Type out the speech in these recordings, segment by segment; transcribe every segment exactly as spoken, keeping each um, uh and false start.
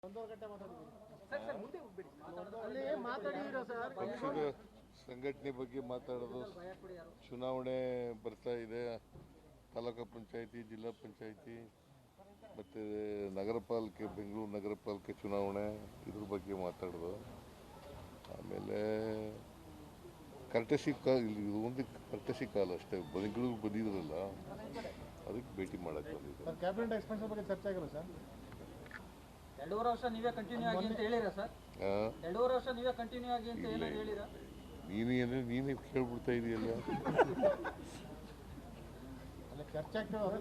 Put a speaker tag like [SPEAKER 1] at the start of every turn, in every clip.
[SPEAKER 1] ಪಕ್ಷದ ಸಂಘಟನೆ ಬಗ್ಗೆ ಮಾತಾಡೋದು, ಚುನಾವಣೆ ಬರ್ತಾ ಇದೆ, ತಾಲೂಕು ಪಂಚಾಯಿತಿ, ಜಿಲ್ಲಾ ಪಂಚಾಯಿತಿ ಮತ್ತು ನಗರ ಪಾಲಿಕೆ, ಬೆಂಗಳೂರು ನಗರ ಪಾಲಿಕೆ ಚುನಾವಣೆ, ಇದ್ರ ಬಗ್ಗೆ ಮಾತಾಡೋದು. ಆಮೇಲೆ ಕರ್ಟಸಿ ಕಾಲ, ಇದು ಒಂದು ಕರ್ಟಸಿ ಕಾಲ ಅಷ್ಟೇ. ಬೆಂಗಳೂರು ಬಂದಿದ್ರಲ್ಲ, ಅದಕ್ಕೆ ಭೇಟಿ ಮಾಡಕ್ಕೆ ಬಂದಿದ್ದೆ.
[SPEAKER 2] ಕ್ಯಾಬಿನೆಟ್ ಎಕ್ಸ್ಪೆನ್ಷನ್ ಬಗ್ಗೆ ಚರ್ಚೆ ಆಗಿಲ್ಲ ಸರ್?
[SPEAKER 3] ಎರಡೂವರೆ ವರ್ಷ ನೀವೇ ಕಂಟಿನ್ಯೂ ಆಗಿ ಅಂತ ಹೇಳಿರಾ ಸರ್? ಎರಡೂವರೆ ವರ್ಷ ನೀವೇ ಕಂಟಿನ್ಯೂ ಆಗಿ ಅಂತ ಏನಾದ್ರು ಹೇಳಿರಾ?
[SPEAKER 1] ನೀನು ಏನೇ ನೀನೇ ಕೇಳ್ಬಿಡ್ತಾ ಇದೆಯಲ್ಲ.
[SPEAKER 2] ಚರ್ಚೆ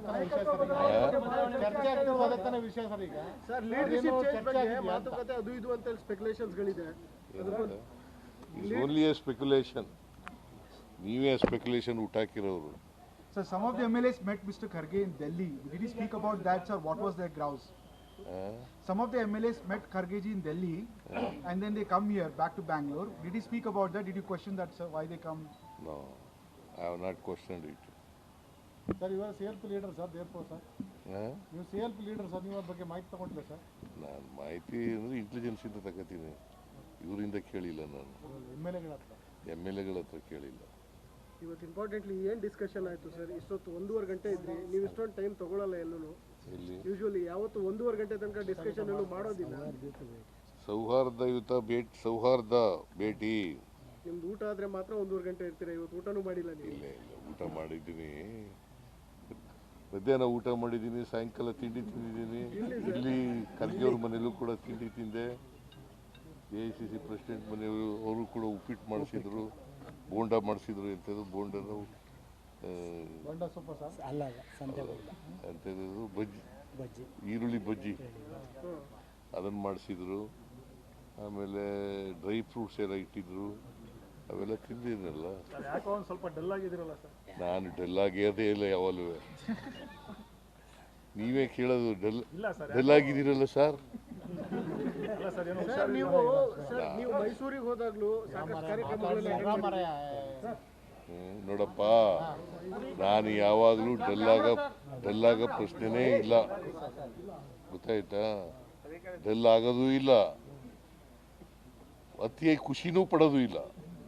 [SPEAKER 2] ಆಗ್ತಿರೋದನ್ನ ವಿಷಯ ಸರ್. ಈಗ
[SPEAKER 4] ಸರ್ ಲೀಡರ್ಶಿಪ್ ಚೇಂಜ್ ಬಗ್ಗೆ ಮಾತುಕತೆ ಅದು ಇದು ಅಂತ ಸ್ಪೆಕ್ಯುಲೇಷನ್ಸ್ ಗಳಿದೆ.
[SPEAKER 1] It's only a speculation. ನೀವೇ ಸ್ಪೆಕ್ಯುಲೇಷನ್ ಹುಟ್ಟಾಕಿರೋರು.
[SPEAKER 5] Sir, some of the M L As met Mister Kharge in Delhi. Did he speak about that, sir? What was their grouse?
[SPEAKER 1] Uh,
[SPEAKER 5] some of the M L As met Kharge ji in Delhi, uh, and then they come here back to Bangalore. Did he speak about that? Did you question that, sir? Why they come?
[SPEAKER 1] No, I have not questioned it.
[SPEAKER 2] Sir, you are C L P leader, sir. Therefore, sir.
[SPEAKER 1] Uh,
[SPEAKER 2] you C L P leader, sir. ನೀವು ಬಗ್ಗೆ ಮಾಹಿತಿ ತಗೊಂಡಿಲ್ಲ sir?
[SPEAKER 1] ನಾನು ಮಾಹಿತಿ ಅಂದರೆ intelligence ಇಂದ ತಗೋತೀನಿ. ಇವರಿಂದ ಕೇಳಿಲ್ಲ ನಾನು.
[SPEAKER 2] ಎಮ್ ಎಲ್ ಎಗಳ ಹತ್ರ
[SPEAKER 1] ಎಮ್ ಎಲ್ ಎಗಳ ಹತ್ರ ಕೇಳಿಲ್ಲ.
[SPEAKER 4] ಇವತ್ತು ಇಂಪಾರ್ಟೆಂಟ್ಲಿ ಏನು ಡಿಸ್ಕಷನ್ ಆಯಿತು ಸರ್? ಇಷ್ಟೊತ್ತು ಒಂದೂವರೆ ಗಂಟೆ ಇದ್ರಿ, ನೀವು ಇಷ್ಟೊಂದು ಟೈಮ್ ತಗೊಳ್ಳಲ್ಲ ಎಲ್ಲೂ. ಯೂಶುವಲಿ ಯಾವತ್ತು ಒಂದೂವರೆ ಗಂಟೆ ತನಕ ಡಿಸ್ಕಷನ್ ಎಲ್ಲೂ ಮಾಡೋದಿಲ್ಲ.
[SPEAKER 1] ಸೌಹಾರ್ದಯುತ ಭೇಟಿ, ಸೌಹಾರ್ದ ಭೇಟಿ.
[SPEAKER 4] ನಿಮ್ದು ಊಟ ಆದರೆ ಮಾತ್ರ ಒಂದೂವರೆ ಗಂಟೆ ಇರ್ತೀರಾ. ಇವತ್ತು ಊಟನೂ ಮಾಡಿಲ್ಲ ನೀವು?
[SPEAKER 1] ಇಲ್ಲ ಇಲ್ಲ, ಊಟ ಮಾಡಿದ್ದೀನಿ. ಮಧ್ಯಾಹ್ನ ಊಟ ಮಾಡಿದ್ದೀನಿ, ಸಾಯಂಕಾಲ ತಿಂಡಿ ತಿಂದಿದ್ದೀನಿ. ಇಲ್ಲಿ ಖರ್ಗೆ ಅವ್ರ ಮನೇಲೂ ಕೂಡ ತಿಂಡಿ ತಿಂದೆ. A I C C president ಮನೆಯವರು ಅವರು ಕೂಡ ಉಪ್ಪಿಟ್ಟು ಮಾಡಿಸಿದ್ರು, ಬೋಂಡ ಮಾಡಿಸಿದ್ರು. ಎಂಥದ್ದು ಬೋಂಡನು ಎಂಥದ್ದು ಬಜ್ಜಿ, ಈರುಳ್ಳಿ ಬಜ್ಜಿ ಅದನ್ನು ಮಾಡಿಸಿದ್ರು. ಆಮೇಲೆ ಡ್ರೈ ಫ್ರೂಟ್ಸ್ ಎಲ್ಲ ಇಟ್ಟಿದ್ರು, ಅವೆಲ್ಲ ತಿಂದಿದ್ದೀನಲ್ಲ.
[SPEAKER 2] ಯಾಕೋ ಒಂದು ಸ್ವಲ್ಪ ಡಲ್ ಆಗಿದ್ದೀರಲ್ಲ ಸರ್?
[SPEAKER 1] ನಾನು ಡಲ್ ಆಗಿರೋದೇ ಇಲ್ಲ ಯಾವಾಗಲೂ. ನೀವೇ ಕೇಳೋದು ಡಲ್ ಡಲ್ ಆಗಿದ್ದೀರಲ್ಲ ಸರ್?
[SPEAKER 4] ಸರ್ ನೀವು ಸರ್ ನೀವು ಮೈಸೂರಿಗೆ ಹೋದಾಗ್ಲೂ ಸಾಕಷ್ಟು ಕಾರ್ಯಕ್ರಮಗಳೆಲ್ಲ
[SPEAKER 1] ನೋಡಪ್ಪ, ನಾನು ಯಾವಾಗಲೂ ಡಲ್ಲಾಗ ಡಲ್ಲಾಗ ಪ್ರಶ್ನೆನೇ ಇಲ್ಲ, ಗೊತ್ತಾಯ್ತಾ? ಡಲ್ ಆಗೋದು ಇಲ್ಲ, ಅತಿಯಾಗಿ ಖುಷಿನೂ ಪಡೋದು ಇಲ್ಲ.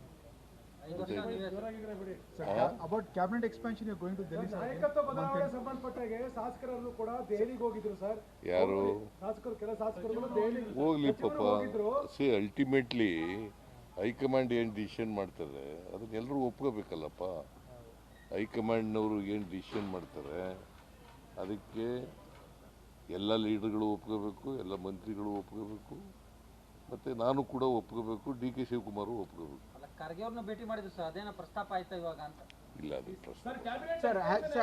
[SPEAKER 5] About cabinet expansion, you are going to Delhi, sir?
[SPEAKER 4] ಸಂಬಂಧಪಟ್ಟಾಗೆ ಶಾಸಕರನ್ನು ಕೂಡ ದೆಹಲಿಗೆ ಹೋಗಿದ್ರು ಸರ್.
[SPEAKER 1] ಯಾರು
[SPEAKER 4] ಶಾಸಕರು, ಕೆಲ ಶಾಸಕರು ದೆಹಲಿಗೆ
[SPEAKER 1] ಹೋಗ್ಲಿ ಪಾಪ. ಸಿ ಅಲ್ಟಿಮೇಟ್ಲಿ ಹೈಕಮಾಂಡ್ ಏನು ಡಿಸಿಷನ್ ಮಾಡ್ತಾರೆ ಅದನ್ನೆಲ್ಲರೂ ಒಪ್ಕೋಬೇಕಲ್ಲಪ್ಪ. ಹೈಕಮಾಂಡ್ನವರು ಏನು ಡಿಸಿಷನ್ ಮಾಡ್ತಾರೆ ಅದಕ್ಕೆ ಎಲ್ಲ ಲೀಡರ್ಗಳು ಒಪ್ಕೋಬೇಕು, ಎಲ್ಲ ಮಂತ್ರಿಗಳು ಒಪ್ಕೋಬೇಕು, ಮತ್ತು ನಾನು ಕೂಡ ಒಪ್ಕೋಬೇಕು, ಡಿ ಕೆ ಶಿವಕುಮಾರು ಒಪ್ಕೋಬೇಕು.
[SPEAKER 3] ಖರ್ಗೆ ಅವ್ರನ್ನ ಭೇಟಿ ಮಾಡಿದ್ರು ಸರ್, ಅದೇನೋ ಪ್ರಸ್ತಾಪ ಆಯ್ತಾ ಇವಾಗ ಅಂತ?
[SPEAKER 1] ಇಲ್ಲ, ಅದು ಪ್ರಶ್ನೆ